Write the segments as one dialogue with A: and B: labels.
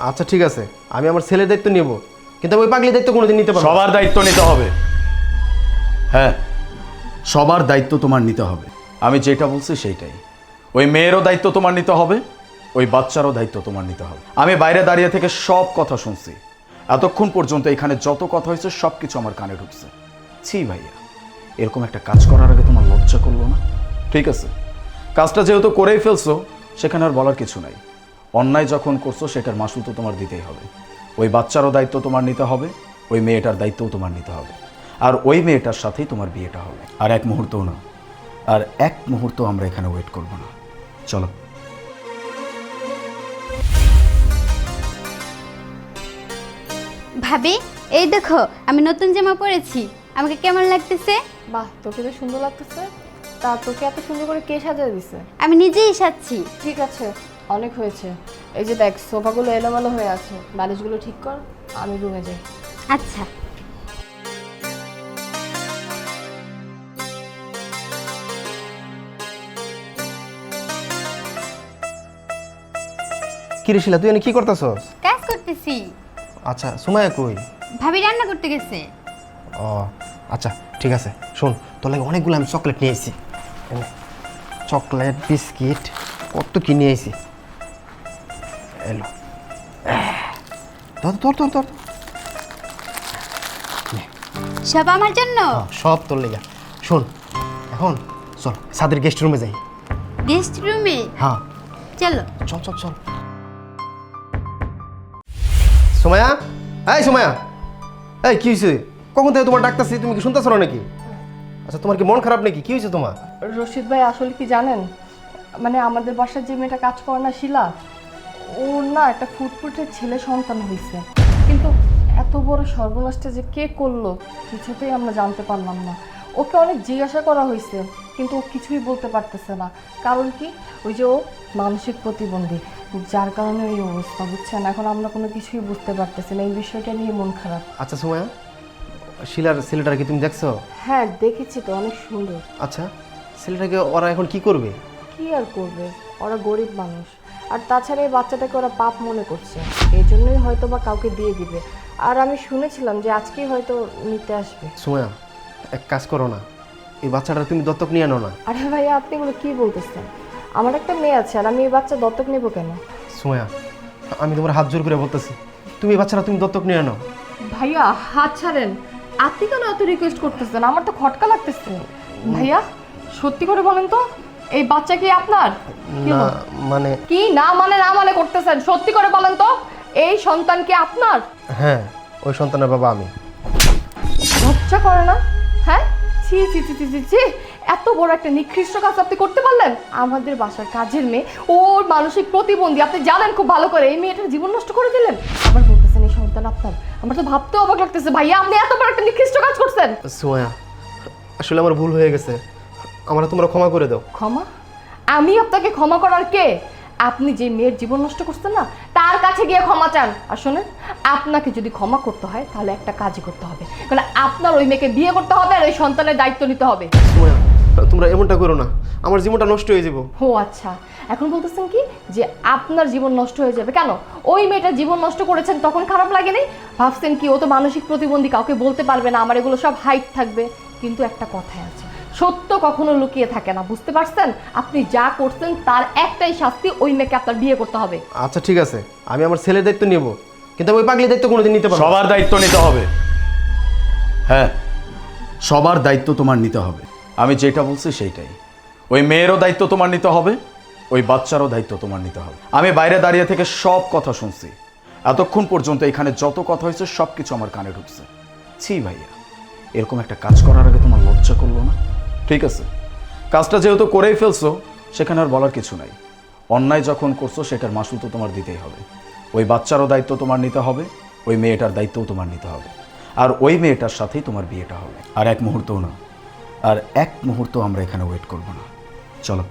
A: আচ্ছা ঠিক আছে, আমি আমার ছেলের দায়িত্ব নেব, কিন্তু ওই পাগলির দায়িত্ব কোনোদিন নিতে পারবো না।
B: সবার দায়িত্ব নিতে হবে। হ্যাঁ, সবার দায়িত্ব তোমার নিতে হবে। আমি যেটা বলছি সেইটাই। ওই মেয়েরও দায়িত্ব তোমার নিতে হবে, ওই বাচ্চারও দায়িত্ব তোমার নিতে হবে। আমি বাইরে দাঁড়িয়ে থেকে সব কথা শুনছি, এতক্ষণ পর্যন্ত এখানে যত কথা হয়েছে সব কিছু আমার কানে ঢুকছে। ছি ভাইয়া, এরকম একটা কাজ করার আগে তোমার লজ্জা করলো না? ঠিক আছে, কাজটা যেহেতু করেই ফেলছো, সেখানে আর বলার কিছু নাই। অন্যায় যখন করছো সেটার মাসুল তো তোমার দিতেই হবে। ওই বাচ্চারও দায়িত্ব তোমার নিতে হবে, ওই মেয়েটার দায়িত্বও তোমার নিতে হবে, আর ওই মেয়েটার সাথেই তোমার বিয়েটা হবে। আর এক মুহূর্তও না, আর এক মুহূর্ত আমরা এখানে ওয়েট করব না। চলো।
C: ভাবি, এই দেখো আমি নতুন জামা পরেছি, আমাকে কেমন লাগতেছে?
D: বাহ, তোকে তো সুন্দর লাগতেছে। তা তোকে এত সুন্দর করে কে সাজিয়ে দিছে?
C: আমি নিজেই সাজছি।
D: ঠিক আছে, অনেক হয়েছে। এই যে দেখ, সোফাগুলো এলোমেলো হয়ে আছে, বালিশগুলো ঠিক কর, আমি রুমে যাই।
C: আচ্ছা।
A: কি রে শিলা, তুই এনে কি করতেছস?
C: কাজ করতেছি।
A: আচ্ছা, সুমাইয়া কই?
C: ভাবি রান্না করতে গেছে।
A: ও আচ্ছা ঠিক আছে, শোন, তোর লাগে অনেকগুলো আমি চকলেট নিয়ে এসেছি। চকলেট, বিস্কিট, কত কি নিয়ে এসেছি। এলো তোর তোর তোর তোর
C: সব আমার জন্য?
A: সব তোর লেগে। শোন, এখন চল সাদের গেস্ট রুমে যাই।
C: গেস্ট রুমে?
A: হ্যাঁ
C: চলো।
A: চল চল চল। সোমায়া, এই সোমায়া, এই কি হয়েছে? কখন থেকে তোমার ডাকতেছি, তুমি কি শুনতেছো না নাকি? আচ্ছা, তোমার কি মন খারাপ নাকি? কি হয়েছে তোমার?
D: রশিদ ভাই, আসলে কি জানেন, মানে আমাদের বাসায় যে মেয়েটা কাজ করে না, শিলা, ওর না একটা ফুটফুটে ছেলে সন্তান হয়েছে, কিন্তু এত বড় সর্বনাশটা যে কে করলো কিছুতেই আমরা জানতে পারলাম না। ওকে অনেক জিজ্ঞাসা করা হয়েছে, কিন্তু ও কিছুই বলতে পারতেছে না। কারণ কি, ওই যে ও মানসিক প্রতিবন্ধী, যার কারণে এই অবস্থা, বুঝছেন? এখন আমরা কোনো কিছুই বুঝতে পারতেছি না, এই বিষয়টা নিয়ে মন খারাপ।
A: আচ্ছা সোমায়া, শিলার ছেলেটার কি তুমি দেখছো?
D: হ্যাঁ দেখেছি তো, অনেক সুন্দর।
A: আচ্ছা, ছেলেটাকে ওরা এখন কি করবে?
D: কি আর করবে, ওরা গরিব মানুষ, আর তাছাড়া এই বাচ্চাটাকে ওরা পাপ মনে করছে, এই জন্যই হয়তো বা কাউকে দিয়ে দিবে। আর আমি শুনেছিলাম যে আজকেই হয়তো নিতে আসবে।
A: সোমায়া, এক কাজ করো না, এই বাচ্চাটা তুমি দত্তক নিয়ে আনো না।
D: আরে ভাইয়া, আপনি এগুলো কি বলতেছেন? আমার একটা মেয়ে আছে, আর আমি এই বাচ্চা দত্তক নেব কেন?
A: সোমায়া, আমি তোমার হাত জোর করে বলতেছি, তুমি এই বাচ্চাটা তুমি দত্তক নিয়ে আনো।
D: ভাইয়া হাত ছাড়েন, আপনি কেন এত রিকোয়েস্ট করতেছেন? আমার তো খটকা লাগতেছে। ভাইয়া সত্যি করে বলেন তো, এই বাচ্চা কি আপনার? কি
A: না
D: বল-
A: মানে,
D: কি না মানে করতেছেন? সত্যি করে বলেন তো, এই সন্তান কি আপনার?
A: হ্যাঁ, ওই সন্তানের বাবা আমি।
D: লজ্জা করে না? হ্যাঁ, ছি ছি ছি ছি ছি ছি, এত বড় একটা নিকৃষ্ট কাজ আপনি করতে পারলেন? আমাদের বাসার কাজের মেয়ে, ওর মানসিক প্রতিবন্ধী, আপনি জানেন খুব ভালো করে, এই মেয়েটার জীবন নষ্ট করে দিলেন। আবার বলতেছেন এই সন্তান আপনার? আমার তো ভাবতেও অবাক লাগতেছে। ভাইয়া, আপনি এত বড় একটা নিকৃষ্ট কাজ করছেন।
A: সোমায়া, আসলে আমার ভুল হয়ে গেছে, আমরা তোমরা ক্ষমা করে দাও।
D: ক্ষমা? আমি আপনাকে ক্ষমা করার কে? আপনি যে মেয়ের জীবন নষ্ট করছেন না, তার কাছে গিয়ে ক্ষমা চান। আর শোনেন, আপনাকে যদি ক্ষমা করতে হয় তাহলে একটা কাজই করতে হবে, কারণ আপনার ওই মেয়েকে বিয়ে করতে হবে আর ওই সন্তানের দায়িত্ব নিতে হবে।
A: সোমায়া, তোমরা এমনটা করো না, আমার জীবনটা নষ্ট হয়ে যাবো।
D: ও আচ্ছা, এখন বলতেছেন কি যে আপনার জীবন নষ্ট হয়ে যাবে? কেন? ওই মেয়েটা জীবন নষ্ট করেছেন তখন খারাপ লাগেনি? ভাবছেন কি ও তো মানসিক প্রতিবন্ধী, কাউকে বলতে পারবে না, আমার এগুলো সব হাইট থাকবে? কিন্তু একটা কথাই আছে, সত্য কখনো লুকিয়ে থাকে না, বুঝতে পারছেন? আপনি যা করছেন তার একটাই শাস্তি, ওই মেয়েকে আপনার বিয়ে করতে হবে।
A: আচ্ছা ঠিক আছে, আমি আমার ছেলের দায়িত্ব নেব, কিন্তু ওই পাগলির দায়িত্ব কোনোদিন নিতে পারবো না।
B: সবার দায়িত্ব নিতে হবে। হ্যাঁ, সবার দায়িত্ব তোমার নিতে হবে। আমি যেটা বলছি সেইটাই। ওই মেয়েরও দায়িত্ব তোমার নিতে হবে, ওই বাচ্চারও দায়িত্ব তোমার নিতে হবে। আমি বাইরে দাঁড়িয়ে থেকে সব কথা শুনছি, এতক্ষণ পর্যন্ত এখানে যত কথা হয়েছে সব কিছু আমার কানে ঢুকছে। ছি ভাইয়া, এরকম একটা কাজ করার আগে তোমার লজ্জা করলো না? ঠিক আছে, কাজটা যেহেতু করেই ফেলছো, সেখানে আর বলার কিছু নাই। অন্যায় যখন করছো সেটার মাসুল তো তোমার দিতেই হবে। ওই বাচ্চারও দায়িত্ব তোমার নিতে হবে, ওই মেয়েটার দায়িত্বও তোমার নিতে হবে, আর ওই মেয়েটার সাথেই তোমার বিয়েটা হবে। আর এক মুহূর্তও না, আর এক মুহূর্ত আমরা এখানে ওয়েট করব না। চলো।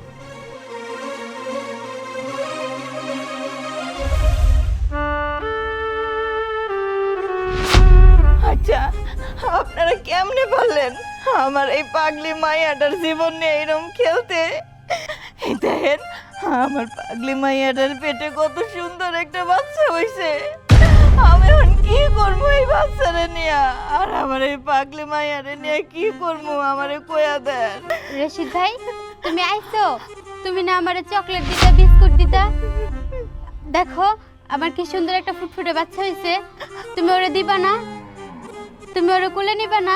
E: আচ্ছা, আপনারা কেমনে পারলেন আমার এই পাগলি মাইয়াটার জীবন নিয়ে এরকম খেলতে? এই দেখেন, আমার পাগলি মাইয়াটার পেটে কত সুন্দর একটা বাচ্চা হইছে। আমি এখন কি করবো এই বাচ্চারে নিয়ে? আর আমার এই পাগলি মাইয়ারে নিয়ে কি করবো? আমারে কয়া দেন।
C: রশিদ ভাই, তুমি আইছো? তুমি না আমারে চকলেট দিতা, বিস্কুট দিতা। দেখো আমার কি সুন্দর একটা ফুটফুটে বাচ্চা হয়েছে, তুমি ওরে দিবা না? তুমি ওরে কোলে নিবা না?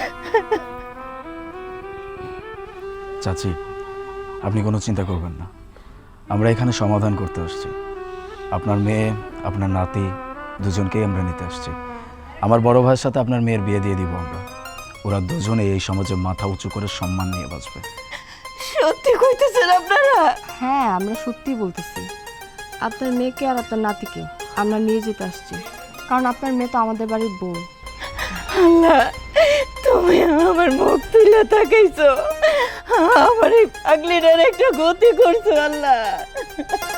B: চাচি, আপনি কোনো চিন্তা করবেন না, আমরা এখানে সমাধান করতে আসছি। আপনার মেয়ে, আপনার নাতি দুজনকেই আমরা নিতে আসছি। আমার বড় ভাইয়ের সাথে আপনার মেয়ের বিয়ে দিয়ে দিব আমরা। ওরা দুজনে এই সমাজে মাথা উঁচু করে সম্মান নিয়ে বাঁচবে।
E: সত্যি কইতেছেন আপনারা?
D: হ্যাঁ, আমরা সত্যি বলতেছি। আপনার মেয়েকে আর আপনার নাতিকে আমরা নিয়ে যেতে আসছি, কারণ আপনার মেয়ে তো আমাদের বাড়ির বউ।
E: আল্লাহ, তুমি আমার মুখ তুলে তাকাইছো, আমার এই পাগলিটার একটা গতি করছো আল্লাহ।